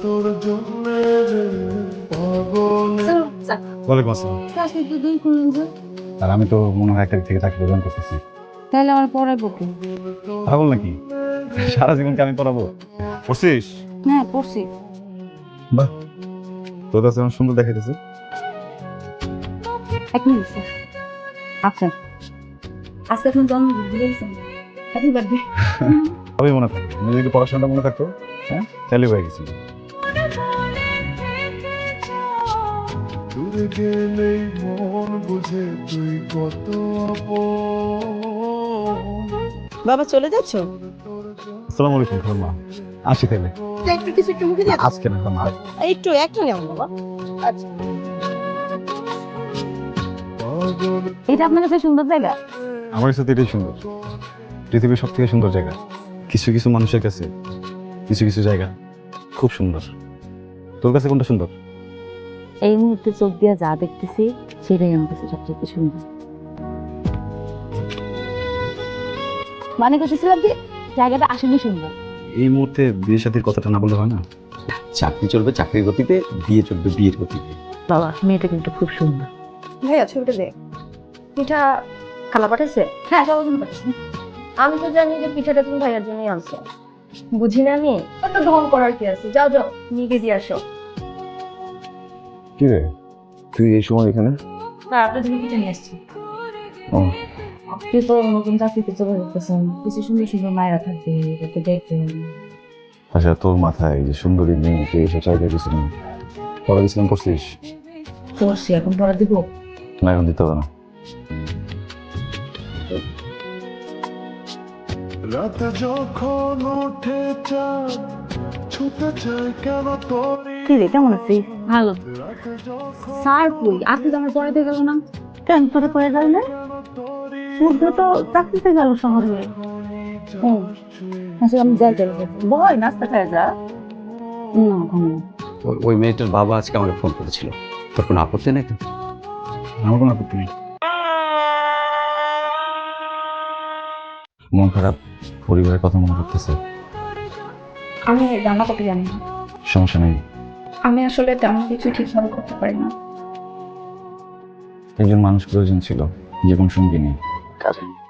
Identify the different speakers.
Speaker 1: ওয়ালাইকুম আসসালাম। আর আমি তো মনে হয় 1 তারিখ থেকে চাকরি জয়েন করতেছি।
Speaker 2: তাহলে আমার পড়াইবো কি?
Speaker 1: পাগল নাকি? সারা জীবনকে আমি পড়াবো? পড়ছিস?
Speaker 2: হ্যাঁ পড়ছি।
Speaker 1: বাহ, তোর কাছে আমার সুন্দর দেখাইতেছে।
Speaker 2: 1 মিনিট স্যার। আচ্ছা আজকে আপনার জন্মদিন দিয়েছেন, হ্যাপি বার্থডে।
Speaker 1: সবই মনে থাকে, আমি যদি পড়াশোনাটা মনে থাকতো, হ্যাঁ তাহলে হয়ে গেছি।
Speaker 3: দূরে গেলেই মন বুঝে তুই কত
Speaker 4: বাবা চলে যাচ্ছ?
Speaker 1: আসসালামু আলাইকুম খালাম্মা। আসি তাহলে।
Speaker 4: একটু কিছু একটু মুখে দিয়ে
Speaker 1: আজকে না খালাম্মা।
Speaker 4: একটু একটা নেও বাবা। আচ্ছা
Speaker 2: এটা আপনার কাছে সুন্দর জায়গা?
Speaker 1: আমার কাছে তো এটাই সুন্দর। পৃথিবীর সব থেকে সুন্দর জায়গা। কিছু কিছু মানুষের কাছে কিছু কিছু জায়গা খুব সুন্দর। তোর কাছে কোনটা সুন্দর?
Speaker 2: এই মুহূর্তে চোখ দিয়ে যা দেখতেছি সেটাই আমার কাছে সবচেয়ে সুন্দর। মানে করতেছিলাম যে জায়গাটা আসলে সুন্দর।
Speaker 1: এই মুহূর্তে বিয়ে শাদীর কথাটা না বললে হয় না?
Speaker 5: চাকরি চলবে চাকরির গতিতে, বিয়ে চলবে বিয়ের গতিতে।
Speaker 2: বাবা মেয়েটা কিন্তু খুব সুন্দর।
Speaker 4: ভাইয়া ছবিটা দে। পিঠা খালা পাঠাইছে?
Speaker 2: হ্যাঁ সবার জন্য পাচ্ছি।
Speaker 4: আমি তো জানি যে পিঠাটা তুমি ভাইয়ার জন্যই আনছো। বুঝি না আমি? কত ঢং করার কি আছে? যাও যাও নিয়ে গিয়ে দিয়ে আসো।
Speaker 5: কি রে, তুই এই সময় এখানে?
Speaker 2: না আপনার জন্য পিঠা নিয়ে আসছি।
Speaker 5: ও,
Speaker 2: আপনি তো নতুন চাকরিতে চলে যেতেছেন, কিছু সুন্দর সুন্দর মায়েরা থাকবে যাতে দেখবেন।
Speaker 5: আচ্ছা তোর মাথায় এই যে সুন্দরী মেয়ে তুই এসে চাইতে গেছিলাম, পড়া গেছিলাম করছিস?
Speaker 2: করছি, এখন পড়া দিব?
Speaker 5: না এখন দিতে হবে না।
Speaker 3: রাত যখন ওঠে চাঁদ ছুটে যায় কেন তোরে
Speaker 2: কি রে কেমন আছিস? ভালো।
Speaker 3: রাত যখন
Speaker 2: স্যার কই? আপনি তো আমার পড়াতে গেল না কেন? তোরে পড়ে গেল না? সূর্য তো চাকরিতে গেল শহরে। আচ্ছা আমি যাই যাই বয় নাস্তা খায় যা। না ঘুমো।
Speaker 5: ওই মেয়েটার বাবা আজকে আমাকে ফোন করেছিল, তোর কোনো আপত্তি নেই?
Speaker 1: আমার কোনো আপত্তি নেই।
Speaker 5: মন খারাপ, পরিবারের কথা মনে করতেছে?
Speaker 4: আমি রান্না করতে জানি না।
Speaker 5: সমস্যা নেই,
Speaker 4: আমি আসলে তেমন কিছু ঠিকভাবে করতে পারি না।
Speaker 5: একজন মানুষ প্রয়োজন ছিল, জীবন সঙ্গী নেই। কাজে